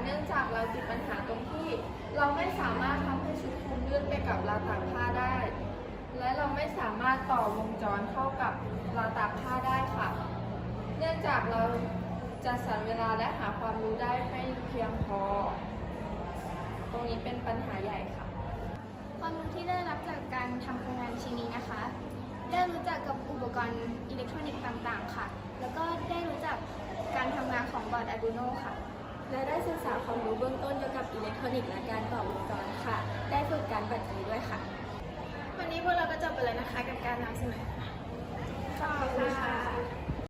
เนื่องจากเราติดปัญหาตรงที่เราไม่สามารถทำให้ชุดคลุมลื่นไปกับราวตากผ้าได้ และเราไม่สามารถต่อวงจรเข้ากับราวตากผ้าได้ค่ะ เนื่องจากเราจะสรรเวลาและหาความรู้ได้ไม่เพียงพอ ตรงนี้เป็นปัญหาใหญ่ค่ะความรู้ที่ได้รับจากการทำโครงงานชิ้นนี้นะคะ ได้รู้จักกับอุปกรณ์อิเล็กทรอนิกส์ต่างๆค่ะ แล้วก็ได้รู้จักการทำงานของบอร์ด Arduino ค่ะและได้ศึกษาความรู้เบื้องต้นเกี่ยวกับอิเล็กทรอนิกส์และการต่อวงจรค่ะ ได้ฝึกการบัดนี้ด้วยค่ะวันนี้พวกเราก็จบไปแล้วนะคะกับการนำเสนอ